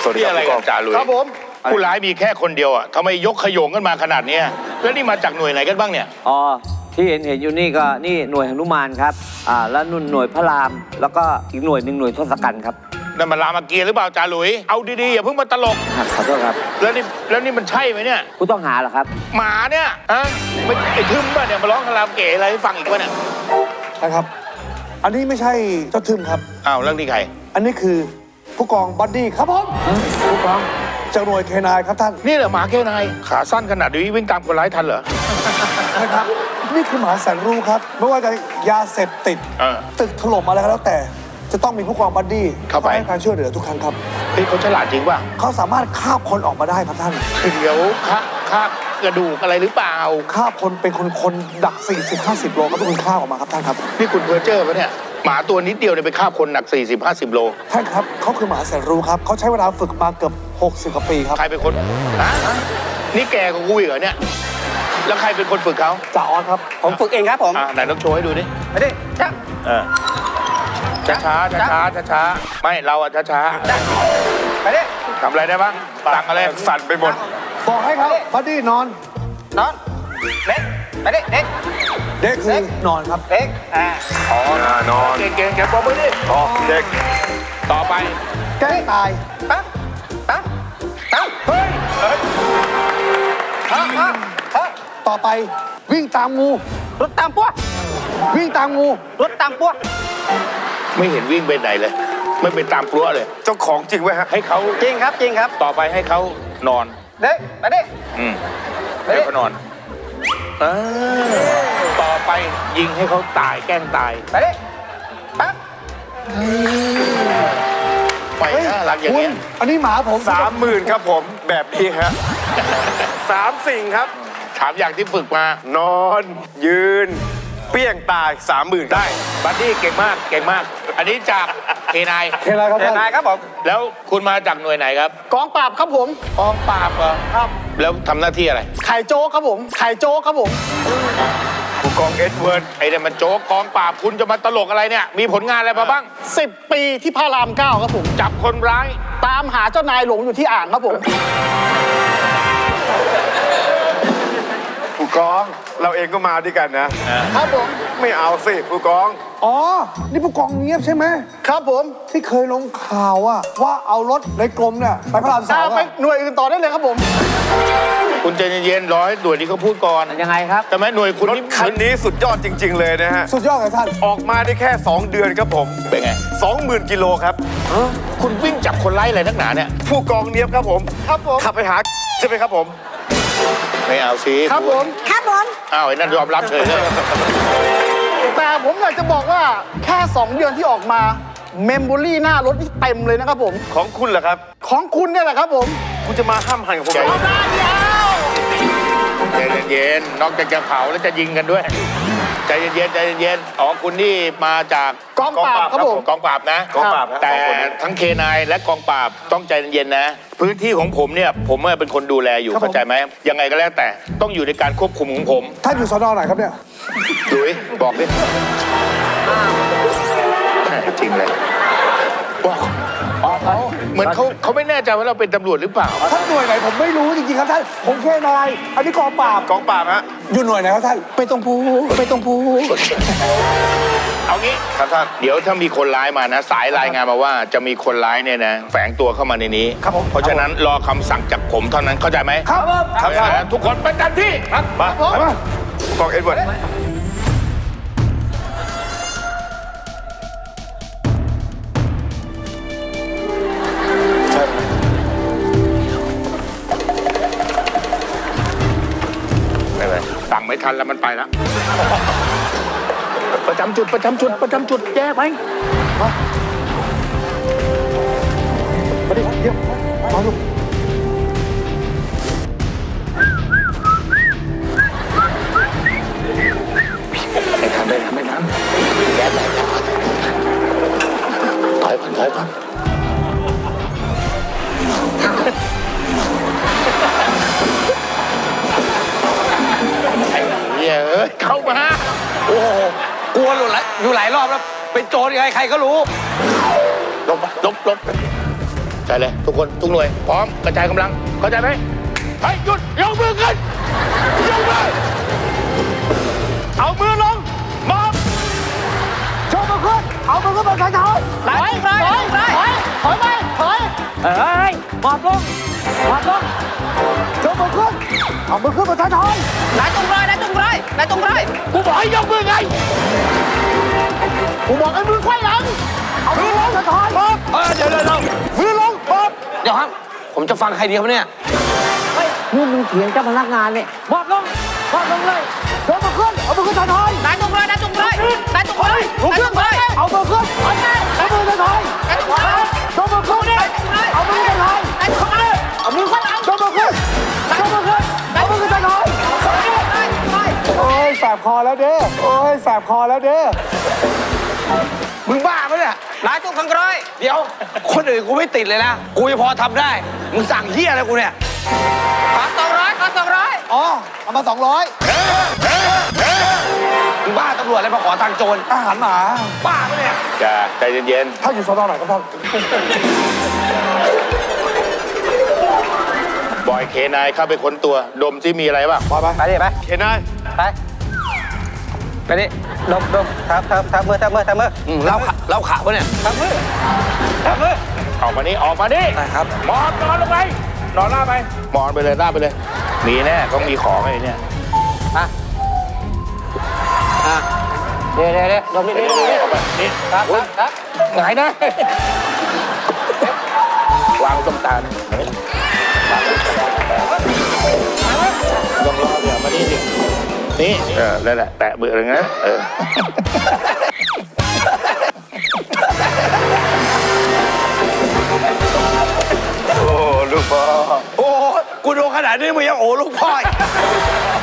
วัสดีอะไรกันจ่าลุยครับผมผู้ร้ายมีแค่คนเดียวอ่ะทำไมยกขโยงกันมาขนาดนี้แล้วนี่มาจากหน่วยไหนกันบ้างเนี่ยอ๋อที่เห็นอยู่นี่ก็นี่หน่วยหนุมานครับแล้วนุ่นหน่วยพระรามแล้วก็อีกหน่วยหนึ่งหน่วยทศกัณฐ์ครับนั่นมันรามเกียรติ์หรือเปล่าจ่าหลุยเอาดีๆอย่าเพิ่งมาตลกขอโทษครับแล้วนี่มันใช่ไหมเนี่ยผู้ต้องหาเหรอครับหมาเนี่ยฮะไม่ไอ้ทึมป่ะเนี่ยมาร้องคาราโอเกะอะไรให้ฟังอีกป่ะเนี่ยใช่ครับอันนี้ไม่ใช่เจ้าทึมครับอ้าวเรื่องนี้ใครอันนี้คือผู้กองบัดดี้ครับผมผู้กองจากหน่วยเคนายครับท่านนี่เหรอหมาเคนายขาสั้นขนาดนี้วิ่งตามคนร้ายทันเหรอใช่ครับนี่คือหมาแสนรู้ครับไม่ว่าจะยาเสพติดตึกถล่มอะไรก็แล้วแต่จะต้องมีผู้กองบัดดี้เข้าไปให้การช่วยเหลือทุกครั้งครับเฮ้ยเขาฉลาดจริงป่ะเขาสามารถคาบคนออกมาได้ครับท่านเดี๋ยวคาบกระดูกอะไรหรือเปล่าคาบคนเป็นคนดัก40-50 โลครับทุกคนคาบออกมาครับท่านครับนี่คุณเพอเจอร์ปะเนี่ยหมาตัวนิดเดียวเนี่ยไปคาบคนหนัก40-50 โลท่านครับเขาคือหมาแสนรู้ครับเขาใช้เวลาฝึกมาเกือบ60 กว่าปีครับใครเป็นคนนี่แกกับกูอีกเหรอเนี่ยแล้วใครเป็นคนฝึกเขาจ่าออสครับผมฝึกเองครับผมไหนต้องโชว์ให้ดูดิไปดิจ้าช้าไม่เราอะช้าไปดิทำอะไรได้บ้างสั่งอะไรสั่นไปหมดบอกให้เขาบัดดี้นอนเด็กไปดิเด็กคือนอนครับเด็กนอนเก่งบอกไปดิเด็กต่อไปแกล้งตายปั๊บเฮ้ยต่อไปวิ่งตามงูรถตามปั้ววิ่งตามงูรถตามปั้วไม่เห็นวิ่งไปไหนเลยไม่ไปตามกลัวเลยเจ้าของจริงไว้ฮะให้เขาจริงครับต่อไปให้เขานอนเด็กไปดิให้เขานอนต่อไปยิงให้เขาตายแกล้งตายไปดิปั๊บไปนะรักอย่างเงี้ยอันนี้หมาผม 30,000ครับผมแบบนี้ฮะ3 สิ่งครับถามอย่างที่ฝึกมานอนยืนเปี้ยงตาย 30,000ได้บัดดี้เก่งมากอันนี้จากเคนายครับผมแล้วคุณมาจากหน่วยไหนครับกองปราบครับผมกองปราบเหรอครับแล้วทำหน้าที่อะไรไข่โจ๊กครับผมผู้กองเอ็ดเวิร์ดไอ้เนี่ยมันโจ๊กกองปราบคุณจะมาตลกอะไรเนี่ยมีผลงานอะไรมาบ้าง 10 ปีที่พระราม 9ครับผมจับคนร้ายตามหาเจ้านายหลงอยู่ที่อ่างครับผมผู้กองเราเองก็มาด้วยกันนะครับผมไม่เอาสิผู้กองอ๋อนี่ผู้กองเงียบใช่ไหมครับผมที่เคยลงข่าวว่าเอารถในกรมเนี่ยไปพระราม 3ไปหน่วยอื่นต่อได้เลยครับผมคุณใจเย็นๆร้อยหน่วยนี้เขาพูดก่อนยังไงครับแต่แม่หน่วยคุณรถคันนี้สุดยอดจริงๆเลยนะฮะสุดยอดครับท่านออกมาได้แค่2 เดือนครับผมเป็นไง20,000 กิโลครับคุณวิ่งจับคนร้ายอะไรนักหนาเนี่ยผู้กองเนียบครับผมขับไปหาใช่ไหมครับผมไม่เอาสิครับผมอ้าวไอ้นั่นยอมรับเฉยเลยแต่ผมอยากจะบอกว่าแค่2 เดือนที่ออกมาเมมโมรี่หน้ารถนี่เต็มเลยนะครับผมของคุณเหรอครับของคุณเนี่ยแหละครับผมคุณจะมาห้ามหันกับผมใจเย็นๆนอกจากจะเผาแล้วจะยิงกันด้วยใจเย็นอ๋อคุณนี่มาจากกองปราบครับผมกองปราบนะแต่ทั้งเคนายและกองปราบต้องใจเย็นๆนะพื้นที่ของผมเนี่ยผมเป็นคนดูแลอยู่เข้าใจไหมยังไงก็แล้วแต่ต้องอยู่ในการควบคุมของผมท่านอยู่สน.ไหนครับเนี่ยดุยบอกดิจริงเลยเหมือนเขาไม่แน่ใจว่าเราเป็นตำรวจหรือเปล่าท่านหน่วยไหนผมไม่รู้จริงๆครับท่านผมแค่นายอันนี้กองปราบฮะอยู่หน่วยไหนครับท่านไม่ต้องพูดเอางี้ครับท่านเดี๋ยวถ้ามีคนร้ายมานะสายรายงานมาว่าจะมีคนร้ายเนี่ยนะแฝงตัวเข้ามาในนี้ครับผมเพราะฉะนั้นรอคำสั่งจากผมเท่านั้นเข้าใจไหมครับทุกคนประจำที่มากองเอ็ดเวิร์ดสั่งไม่ทันแล้วมันไปแล้วประจำจุดแย่ไปมาดิเดี๋ยวมาดูไม่ทันแย่ไปถอยก่อนเข้ามาโอ้โหกลัวอยู่หลายรอบแล้วเป็นโจรยังไงใครก็รู้ลบใช่เลยทุกคนทุกหน่วยพร้อมกระจายกำลังเข้าใจไหมเฮ้ยหยุดยกมือขึ้นยกมือเอามือลงมอบโชว์มือขึ้นเอามือขึ้นบนท้ายถอยถอยไปถอยเอ้ยหมอบลงหมอบลงโชว์มือขึ้นเอามือขึ้นบนท้ายถอยนายตรงร้อยนายตรงร้อยนายตรงร้อยกูบอกให้ยกมือไงกูบอกให้มือไขว้หลังเอามือลงท้ายถอยป๊อบเดี๋ยวมือลงป๊อบเดี๋ยวครับ ผมจะฟังใครดีครับเนี่ยนี่มึงเถียงเจ้าพนักงานเนี่ยหมอบลงหมอบลงเลยโชว์มือขึ้นเอามือขึ้นท้ายถอยนายตรงร้อยนายตรงร้อยนายตรงร้อยนายตรงร้อยเอามือขึ้นเอามือท้ายถอยนายตรงร้อยโชว์มือขึ้นเอามือท้ายถอยนายตรงร้อยเอามือขึ้นโชว์มือขึ้นโชว์มือขึ้นเอามือขึ้นท้ายถอยโอ้ยแสบคอแล้วเด้อโอ้ยแสบคอแล้วเด้อมึงบ้าปะเนี่ยนายตรงข้างร้อยเดี๋ยว คนอื่นกูไม่ติดเลยนะ กูยังพอทำได้ มึงสั่งเฮียอะไรกูเนี่ยขอ200ขอ200 อ๋อเอามา200 มึงบ้าตำรวจอะไรมาขอตังค์โจรอาหารหมาบ้าปะเนี่ยจ้าใจเย็นถ้าอยู่สนไหนครับท่านๆบอยเคนายเข้าไปค้นตัวดมซิมีอะไรบ้างไปไปดิไปเคนายไปดิดมทับมือเล่าขาวะเนี่ยทับมือออกมานี่ออกมานี่ได้ครับหมอบนอนลงไปนอนหน้าไปหมอนไปเลยหน้าไปเลย มีแน่ต้องมีของไอ้เนี่ยเดี๋ยวดมดิออกไปนี่ครับหงายนะวางตรงตาลลองรอเดี๋ยวมานี่ดินี่นั่นแหละแตะเบื่อเลยนะโอ้ลูกพ่อโอ้กูดูขนาดนี้มึงยังโอ้ลูกพ่ออีก